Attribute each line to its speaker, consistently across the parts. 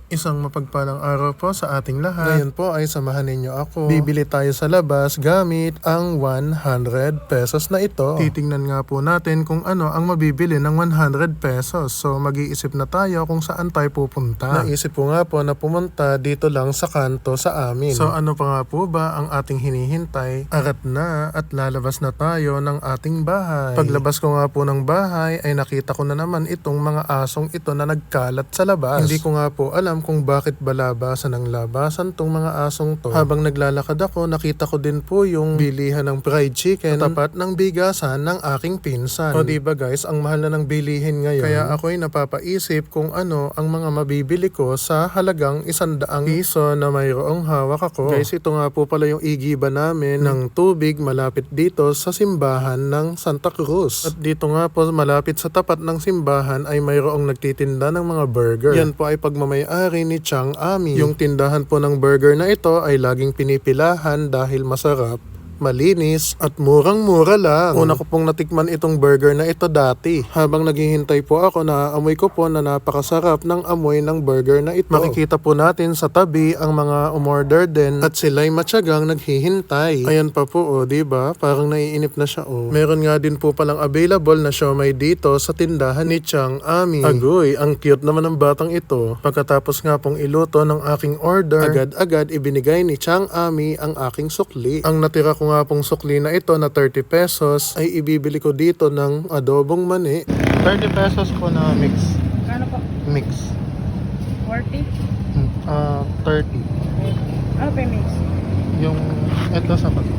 Speaker 1: Isang mapagpalang araw po sa ating lahat. Ngayon po ay samahan ninyo ako. Bibili tayo sa labas gamit ang 100 pesos na ito. Titingnan nga po natin kung ano ang mabibili ng 100 pesos. So mag-iisip na tayo kung saan tayo pupunta. Naisip ko nga po na pumunta dito lang sa kanto sa amin. So ano pa nga po ba ang ating hinihintay? Arat na at lalabas na tayo ng ating bahay. Paglabas ko nga po ng bahay ay nakita ko na naman itong mga asong ito na nagkalat sa labas. Hindi ko nga po alam kung bakit ba labasan ng labasan tong mga asong to. Habang naglalakad ako, nakita ko din po yung bilihan ng fried chicken sa tapat ng bigasan ng aking pinsan. O diba guys, ang mahal na ng bilihin ngayon. Kaya ako'y napapaisip kung ano ang mga mabibili ko sa halagang 100 piso na mayroong hawak ako. Guys, ito nga po pala yung igiba namin ng tubig malapit dito sa simbahan ng Santa Cruz. At dito nga po malapit sa tapat ng simbahan ay mayroong nagtitinda ng mga burger. Yan po ay pagmamayari ni Chang Ami. Yung tindahan po ng burger na ito ay laging pinipilahan dahil masarap, malinis at murang-mura lang. Una ko pong natikman itong burger na ito dati. Habang naghihintay po ako, naaamoy ko po na napakasarap ng amoy ng burger na ito. Makikita po natin sa tabi ang mga umorder din at sila'y matyagang naghihintay. Ayan pa po diba? Parang naiinip na siya Meron nga din po palang available na siomai dito sa tindahan ni Chang Ami. Agoy, ang cute naman ng batang ito. Pagkatapos nga pong iluto ng aking order, agad-agad ibinigay ni Chang Ami ang aking sukli. Ang natira ko nga pong sukli na ito na 30 pesos ay ibibili ko dito ng adobong mani. 30 pesos po na mix.
Speaker 2: Ano po?
Speaker 1: Mix.
Speaker 2: 40?
Speaker 1: 30.
Speaker 2: Ano pa yung mix?
Speaker 1: Yung ito sa pag.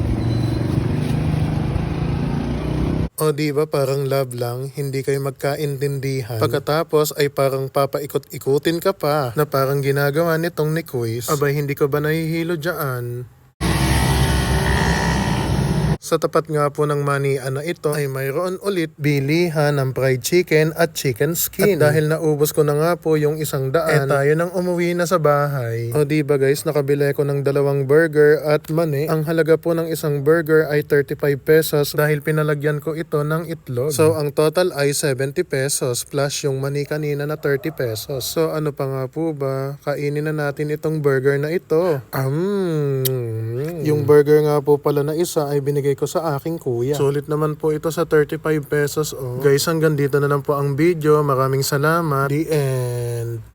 Speaker 1: O diba parang love lang, hindi kayo magkaintindihan. Pagkatapos ay parang papaikot-ikutin ka pa na parang ginagawa nitong ni Quiz. Abay, hindi ko ba nahihilo dyan? Sa tapat nga po ng manian na ito ay mayroon ulit bilihan ng fried chicken at chicken skin. At dahil naubos ko na nga po yung 100, tayo nang umuwi na sa bahay. O diba guys, nakabili ko ng 2 burger at mani. Ang halaga po ng isang burger ay 35 pesos dahil pinalagyan ko ito ng itlog. So ang total ay 70 pesos plus yung mani kanina na 30 pesos. So ano pa nga po ba? Kainin na natin itong burger na ito. Yung burger nga po pala na isa ay binigay ko sa aking kuya. Sulit naman po ito sa 35 pesos. Guys, hanggang dito na lang po ang video. Maraming salamat. The end.